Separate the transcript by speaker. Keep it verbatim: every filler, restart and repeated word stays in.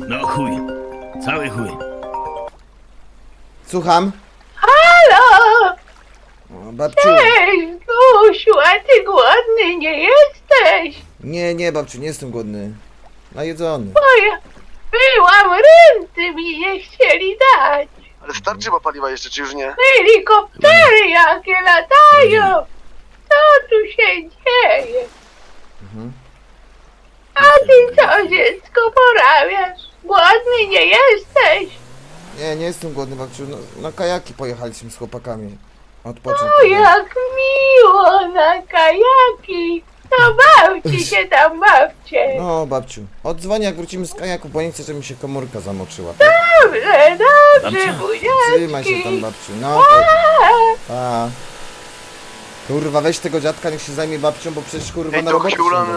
Speaker 1: No chuj. Cały chuj.
Speaker 2: Słucham?
Speaker 3: Halo!
Speaker 2: O, babciu.
Speaker 3: Cześć, Gusiu, a ty głodny nie jesteś?
Speaker 2: Nie, nie, babciu, nie jestem głodny. Najedzony.
Speaker 3: Bo ja byłam, renty mi nie chcieli dać.
Speaker 4: Ale starczy chyba paliwa jeszcze, czy już nie?
Speaker 3: Helikoptery jakie latają. Co tu się dzieje?
Speaker 2: Mhm.
Speaker 3: A ty co, dziecko, porabiasz? Głodny nie jesteś?
Speaker 2: Nie, nie jestem głodny, babciu. No, na kajaki pojechaliśmy z chłopakami. Odpocząć.
Speaker 3: O, jak miło na kajaki. To bawcie się tam, bawcie.
Speaker 2: No, babciu. Odzwonię, jak wrócimy z kajaku, bo nie chcę, żeby mi się komórka zamoczyła.
Speaker 3: Dobrze, dobrze,
Speaker 1: Babcia,
Speaker 2: Trzymaj się tam,
Speaker 3: buziaczki.
Speaker 2: babciu. No, pa. Pa. Kurwa, weź tego dziadka, niech się zajmie babcią, bo przecież kurwa
Speaker 4: Ej,
Speaker 2: na
Speaker 4: to
Speaker 2: robocie
Speaker 4: Hiulan
Speaker 2: się